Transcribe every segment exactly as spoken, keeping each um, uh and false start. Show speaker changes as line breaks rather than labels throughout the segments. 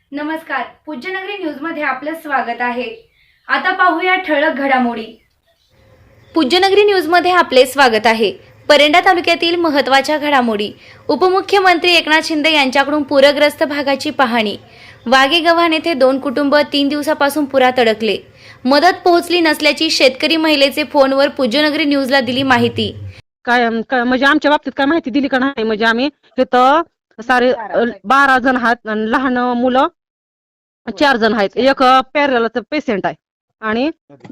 नमस्कार, पूज्यनगरी न्यूजमध्ये आपलं स्वागत आहे। आता पाहूया ठळक घडामोडी। पूज्यनगरी न्यूजमध्ये आपले स्वागत आहे। परंडा तालुक्यातील महत्त्वाच्या घडामोडी। उपमुख्यमंत्री एकनाथ शिंदे यांच्याकडून पूरग्रस्त भागाची पाहणी। वाघेगव्हाण येथे दोन कुटुंब तीन दिवसापासून पुरात अडकले। मदत पोहोचली नसल्याची शेतकरी महिलेचे फोनवर पूज्यनगरी न्यूजला दिली माहिती।
काय म्हणजे आमच्या बाबतीत काय माहिती दिली का नाही म्हणजे आम्ही तिथं सारे बारा जण आहेत आणि लहान मुलं चार जण आहेत। एक पॅरलचा पेशंट आहे आणि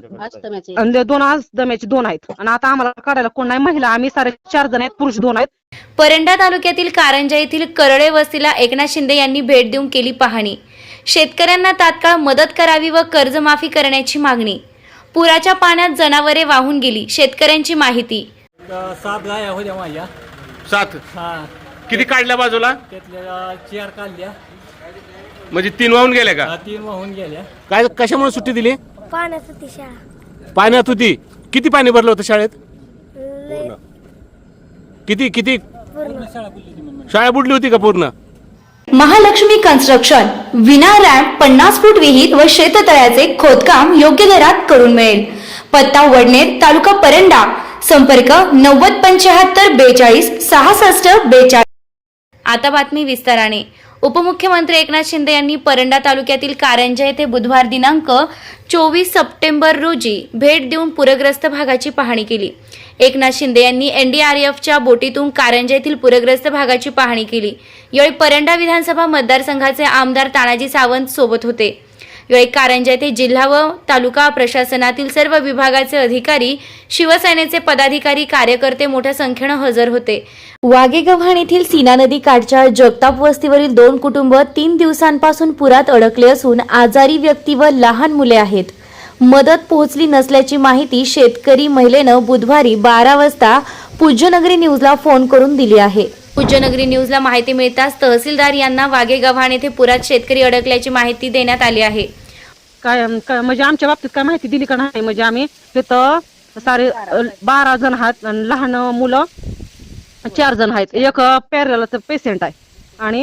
दोन आज दम्याचे दोन आहेत आणि आता आम्हाला काढायला कोण नाही। महिला आम्ही सारे चार जण आहेत, पुरुष दोन आहेत।
परंडा तालुक्यातील कारंजा येथील करळे वस्तीला एकनाथ शिंदे यांनी भेट देऊन केली पाहणी। शेतकऱ्यांना तात्काळ मदत करावी व कर्जमाफी करण्याची मागणी। पुराच्या पाण्यात जनावरे वाहून गेली, शेतकऱ्यांची माहिती।
सात गाया होत्या माझ्या।
सात
हा,
किती काढल्या बाजूला?
त्यातल्या चार काढल्या,
म्हणजे तीन वाहून गेल्या का?
हा, तीन वाहून गेल्या।
काय कशामुळे सुट्टी दिली?
पाण्यात होती शाळा।
पाण्यात होती? किती पाणी भरलं होतं शाळेत?
लय
किती किती
पूर्ण
शाळा बुडली होती का पूर्ण?
महालक्ष्मी कन्स्ट्रक्शन विना रॅम्प पन्नास फूट विहीर व शेततळ्याचे खोदकाम योग्य दरात करून मिळेल। पत्ता वडनेर, तालुका परंडा। संपर्क नव्वद पंच्याहत्तर बेचाळीस सहासष्ट बेचाळीस। आता बातमी विस्ताराने। उपमुख्यमंत्री एकनाथ शिंदे यांनी परंडा तालुक्यातील कारंजा येथे बुधवार दिनांक चोवीस सप्टेंबर रोजी भेट देऊन पूरग्रस्त भागाची पाहणी केली। एकनाथ शिंदे यांनी एनडीआरएफच्या बोटीतून कारंजा येथील पूरग्रस्त भागाची पाहणी केली। यावेळी परंडा विधानसभा मतदारसंघाचे आमदार तानाजी सावंत सोबत होते। यावेळी कारंजा येथे जिल्हा व तालुका प्रशासनातील सर्व विभागाचे अधिकारी, शिवसेनेचे पदाधिकारी, कार्यकर्ते मोठ्या संख्येने हजर होते। वाघेगव्हाण येथील सीना नदी काठच्या जगताप वस्तीवरील दोन कुटुंब तीन दिवसांपासून पुरात अडकले असून आजारी व्यक्ती व लहान मुले आहेत। मदत पोहोचली नसल्याची माहिती शेतकरी महिलेनं बुधवारी बारा वाजता पूज्यनगरी न्यूजला फोन करून दिली आहे। पूज्यनगरी न्यूजला माहिती मिळताच तहसीलदार यांना वाघेगव्हाण येथे पुरात शेतकरी अडकल्याची माहिती देण्यात आली आहे।
काय म्हणजे आमच्या बाबतीत काय माहिती दिली का नाही म्हणजे आम्ही तिथं सारे बारा जण आहेत आणि लहान मुलं चार जण आहेत। एक पॅरलचा पेशंट आहे आणि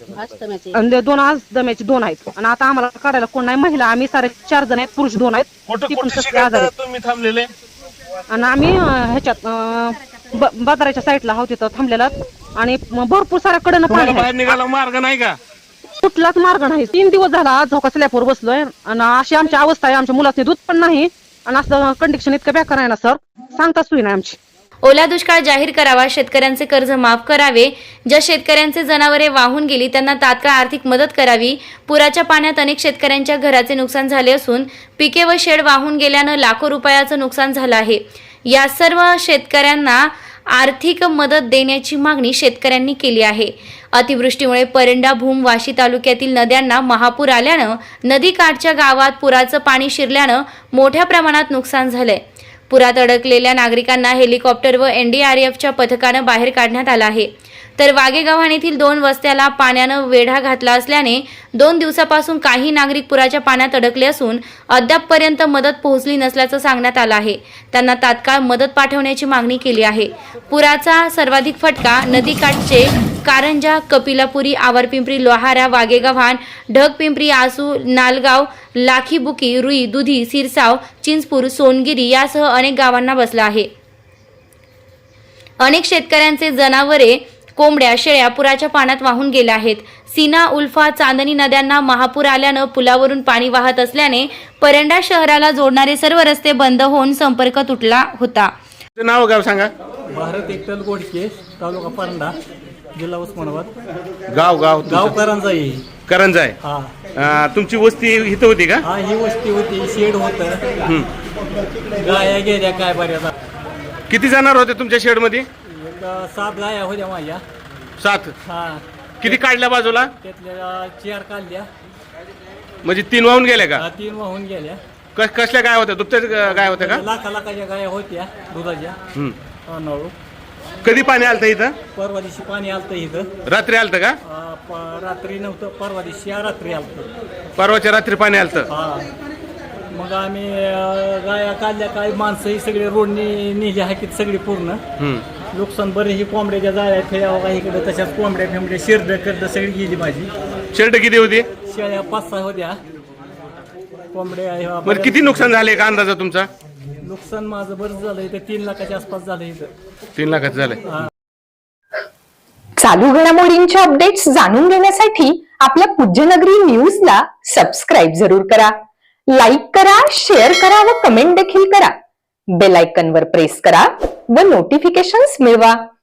दोन आज दम्याचे दोन आहेत आणि आता आम्हाला काढायला कोण नाही। महिला आम्ही सारे चार जण आहेत, पुरुष दोन आहेत। ती पण तसले आजार आहेत।
तुम्ही थांबलेले
आणि आम्ही ह्याच्यात बाजाराच्या साईडला आहोत, तिथं थांबलेला आणि भरपूर साऱ्या कडनं पाणी
बाहेर निघायला मार्ग नाही का?
कुठलाच मार्ग नाही। तीन दिवस झाला आज झोका स्लॅपवर बसलोय आणि अशी आमची अवस्था आहे। आमच्या मुलाचे दूध पण नाही आणि असं कंडिशन इतकं बेकार आहे ना सर, सांगता सोय नाही आमची।
ओला दुष्काळ जाहीर करावा, शेतकऱ्यांचे कर्ज माफ करावे, ज्या शेतकऱ्यांचे जनावरे वाहून गेली त्यांना तात्काळ आर्थिक मदत करावी। पुराच्या पाण्यात अनेक शेतकऱ्यांच्या घराचे नुकसान झाले असून पिके व शेड वाहून गेल्यानं लाखो रुपयाचं नुकसान झालं आहे। या सर्व शेतकऱ्यांना आर्थिक मदत देण्याची मागणी शेतकऱ्यांनी केली आहे। अतिवृष्टीमुळे परंडा, भूम, वाशी तालुक्यातील नद्यांना महापूर आल्यानं नदीकाठच्या गावात पुराचं पाणी शिरल्यानं मोठ्या प्रमाणात नुकसान झालंय। पुरात अडकलेल्या नागरिकांना हेलिकॉप्टर व एनडीआरएफच्या पथकानं बाहेर काढण्यात आलं आहे। तर वाघेगव्हाण येथील दोन वस्त्याला पाण्यानं वेढा घातला असल्याने दोन दिवसापासून काही नागरिक पुराच्या पाण्यात अडकले असून अद्यापपर्यंत मदत पोहोचली नसल्याचं सांगण्यात आलं आहे। त्यांना तात्काळ मदत पाठवण्याची मागणी केली आहे। पुराचा सर्वाधिक फटका नदीकाठचे कारंजा, कपिलापुरी, आवरपिंपरी, लोहारा, वाघेगव्हाण, ढगपिंपरी, आसू, नालगाव, लाखीबुकी, रुई, दुधी, सिरसाव, चिंचपूर, सोनगिरी यासह अनेक गावांना बसला आहे। अनेक शेतकऱ्यांचे जनावरे, कोंबड्या, शेळ्या पुराच्या पाण्यात वाहून गेल्या आहेत। सीना, उल्फा, चांदणी नद्यांना महापूर आल्यानं पुलावरून पाणी वाहत असल्याने परंडा शहराला जोडणारे सर्व रस्ते बंद होऊन संपर्क तुटला होता।
नाव गाव सांगा?
भारत एकटल गोडके, तालुका परंडा, जिल्हा उस्मानाबाद।
गाव गाव
गाव करंजा आहे।
करंजा आहे?
हा
अं, तुमची वस्ती इथं होती का?
हा, ही वस्ती होती, शेड होतं, गाया गेल्या काय बऱ्याच।
किती जनावर होते तुमच्या शेड मध्ये?
एक सात गाया होत्या माझ्या।
सात?
हा,
किती काढल्या बाजूला?
त्यातल्या चार काढल्या,
म्हणजे तीन वाहून गेल्या का?
हा, तीन वाहून गेल्या।
कस कसल्या गाय होत्या? दुभत्या गाय होत्या का?
लाखा लाखाच्या गाया होत्या दुधाच्या।
हम्म.
नळू
कधी पाणी आलतं इथं?
परवा दिवशी पाणी आलतं इथं।
रात्री आलतं का?
अं, प- रात्री नव्हतं, परवा दिवशी रात्री आलतं।
परवाच्या रात्री पाणी आलतं?
हा, मग आम्ही अं, गाया काढल्या, काय माणसं ही सगळी रोडनी नेली आहेत सगळी पूर्ण।
हम्म.
नुकसान बरे, ही कोंबड्याच्या जाळ्या खेळ्या बघा इकडे, तशाच कोंबड्या फेंबड्या शिरड करड सगळी गेली माझी।
शेड किती होती?
शेळ्या पाच सहा होत्या कोंबड्या ह्या
बरं किती नुकसान झाले का अंदाजा तुमचा?
नुकसान माझं बरंच झालं इथं तीन लाखाच्या आसपास झालं इथं.
तीन लाखाचं झालंय.
चालू घडामोडींचे अपडेट्स जाणून घेण्यासाठी आपल्या पूज्यनगरी न्यूजला सबस्क्राईब जरूर करा. लाईक करा, शेअर करा व कमेंट देखील करा. बेल आयकॉनवर प्रेस करा व नोटिफिकेशन्स मिळवा.